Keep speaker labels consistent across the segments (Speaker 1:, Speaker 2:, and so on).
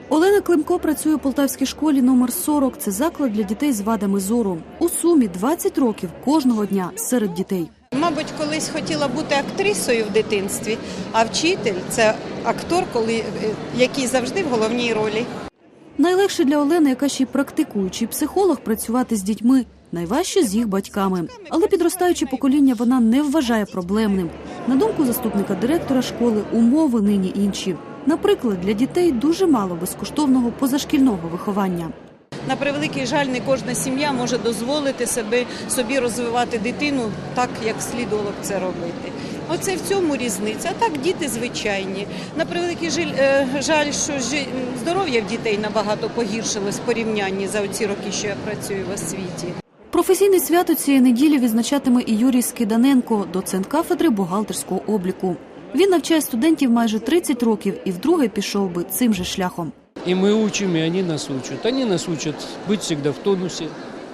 Speaker 1: Олена Климко працює у Полтавській школі номер 40. Це заклад для дітей з вадами зору. У сумі 20 років кожного дня серед дітей.
Speaker 2: Мабуть, колись хотіла бути актрисою в дитинстві, а вчитель – це актор, який завжди в головній ролі.
Speaker 1: Найлегше для Олени, яка ще й практикуючий психолог, працювати з дітьми. Найважче з їх батьками. Але підростаюче покоління вона не вважає проблемним. На думку заступника директора школи, умови нині інші. Наприклад, для дітей дуже мало безкоштовного позашкільного виховання.
Speaker 2: На превеликий жаль, не кожна сім'я може дозволити собі розвивати дитину так, як слідувало б це робити. Оце в цьому різниця. А так діти звичайні. На превеликий жаль, що здоров'я в дітей набагато погіршилось в порівнянні за оці роки, що я працюю в освіті.
Speaker 1: Професійне свято цієї неділі відзначатиме і Юрій Скиданенко, доцент кафедри бухгалтерського обліку. Він навчає студентів майже 30 років і вдруге пішов би цим же шляхом.
Speaker 3: И мы учим, и они нас учат. Они нас учат быть всегда в тонусе,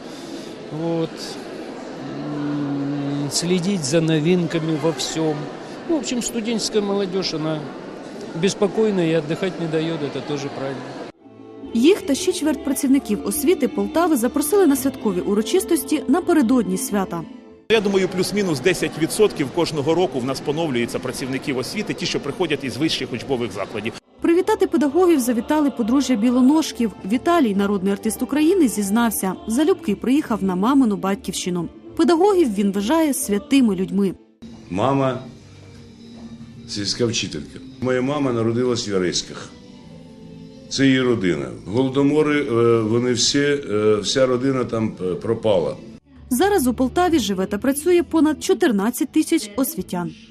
Speaker 3: следить за новинками во всем. В общем, студенческая молодежь, она беспокойна и отдыхать не дает, это тоже правильно.
Speaker 1: Їх та ще чверть працівників освіти Полтави запросили на святкові урочистості напередодні свята.
Speaker 4: Я думаю, плюс-мінус 10% кожного року в нас поновлюється працівників освіти, ті, що приходять із вищих учбових закладів.
Speaker 1: Привітати педагогів завітали подружжя Білоножків. Віталій, народний артист України, зізнався, залюбки приїхав на мамину батьківщину. Педагогів він вважає святими людьми.
Speaker 5: Мама – сільська вчителька. Моя мама народилась в Яреськах. Це її родина. Голодомори, вони вся родина там пропала.
Speaker 1: Зараз у Полтаві живе та працює понад 14 тисяч освітян.